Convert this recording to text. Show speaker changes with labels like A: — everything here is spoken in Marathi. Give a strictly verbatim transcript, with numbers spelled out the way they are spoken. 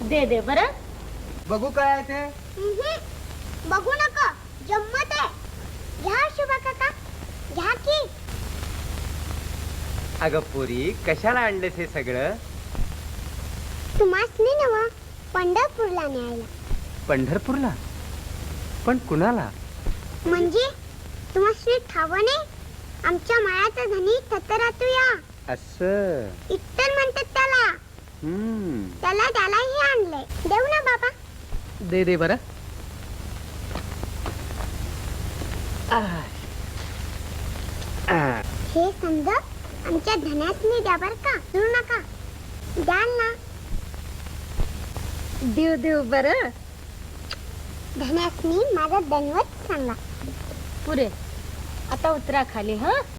A: दे दे बरं.
B: बघू काय आहे ते.
C: बघू नका, जम्मत आहे. घ्या शुभा काका, घ्या की.
B: अगं पोरी, कशाला आणलेस हे सगळं?
C: तुम्हासनी नवा पंढरपूरला न्यायला.
B: पंढरपूरला? पण कुणाला?
C: म्हणजे तुम्हासनी ठावं नाही? आमच्या मायाचा धनी थतरातू या
B: असं
C: इत्तर म्हणतात त्याला.
B: हम्म.
C: त्याला त्यालाही आणलंय. देऊ ना बाबा?
A: दे दे बरं.
C: हे समजा आमच्या धन्यासनी द्या बर का, देऊ नका. द्याल ना?
A: देव देव बरं.
C: धन्यासनी माझा दनवत सांगा.
A: पुरे आता उतरा खाली. हा